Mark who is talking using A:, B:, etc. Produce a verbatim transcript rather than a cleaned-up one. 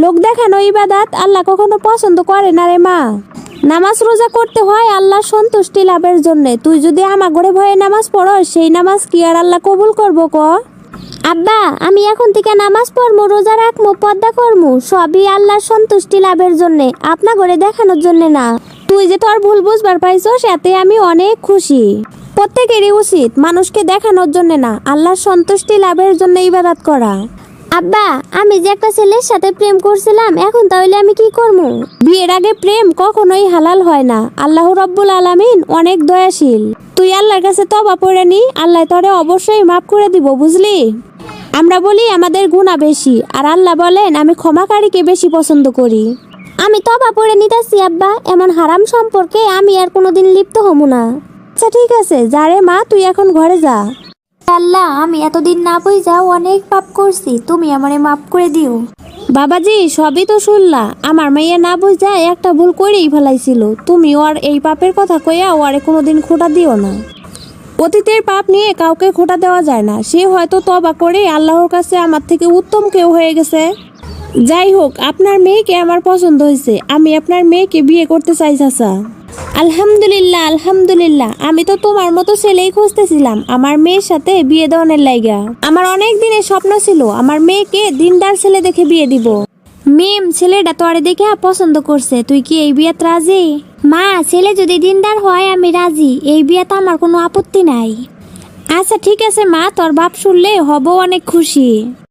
A: লোক দেখানো ইবাদত আল্লাহ কখনো পছন্দ করে না রে মা। নামাজ রোজা করতে হয় আল্লাহর সন্তুষ্টি লাভের জন্য। তুই যদি আমার ঘরে ভয়ে নামাজ পড়স, সেই নামাজ কি আর আল্লাহ কবুল করবো ক? আব্বা, আমি এখন থেকে নামাজ পড়মু, রোজা রাখমু, পর্দা করমু, সবই আল্লাহর সন্তুষ্টি লাভের জন্য, আপনা ঘরে দেখানোর জন্য না। তুই যে তোর ভুল বুঝবার পাইছস এতে আমি অনেক খুশি। প্রত্যেকেরই উচিত মানুষকে দেখানোর জন্য না, আল্লাহর সন্তুষ্টি লাভের জন্য ইবাদত করা। আব্বা, আমি যে একটা ছেলের সাথে প্রেম করছিলাম, এখন তাহলে আমি কি করবো? বিয়ের আগে প্রেম কখনোই হালাল হয় না। আল্লাহ রব্বুল আলামিন অনেক দয়াশীল। তুই আল্লাহর কাছে তওবা পড়ে নি, আল্লাহ তোরে অবশ্যই মাফ করে দিব, বুঝলি? আমরা বলি আমাদের গুনাহ বেশি, আর আল্লাহ বলেন আমি ক্ষমাকারীকে বেশি পছন্দ করি। আমি তওবা পড়ে নিতেছি আব্বা, এমন হারাম সম্পর্কে আমি আর কোনোদিন লিপ্ত হবো না। আচ্ছা ঠিক আছে, যা রে মা, তুই এখন ঘরে যা। আল্লাহ, আমি এতদিন না বুঝা অনেক পাপ করছি, তুমি আমারে মাফ করে দিও। বাবাজি, সবই তো শুনলা, আমার মাইয়া না বুঝা একটা ভুল করেই ফেলাইছিল। তুমি ওর এই পাপের কথা কইয়া ওরে কোনোদিন খোঁটা দিও না। অতীতের পাপ নিয়ে কাউকে খোঁটা দেওয়া যায় না। সে হয়তো তওবা করে আল্লাহর কাছে আমার থেকে উত্তম কেউ হয়ে গেছে। যাই হোক, আপনার মেয়েকে আমার পছন্দ হয়েছে, আমি আপনার মেয়েকে বিয়ে করতে চাই চাচা। আলহামদুলিল্লাহ আলহামদুলিল্লাহ, আমি তো তোমার মতো ছেলেই খুঁজতেছিলাম আমার মেয়ের সাথে বিয়ে দেওয়ানের লাইগা। আমার অনেক দিনের স্বপ্ন ছিল আমার মেয়েকে দিনদার ছেলে দেখে বিয়ে দিব। মেম, ছেলেটা তোরে দেখে পছন্দ করছে, তুই কি এই বিয়েতে রাজি? মা, ছেলে যদি দিনদার হয় আমি রাজি, এই বিয়েতে আমার কোনো আপত্তি নাই। আচ্ছা ঠিক আছে মা, তোর বাপ শুনলে হব অনেক খুশি।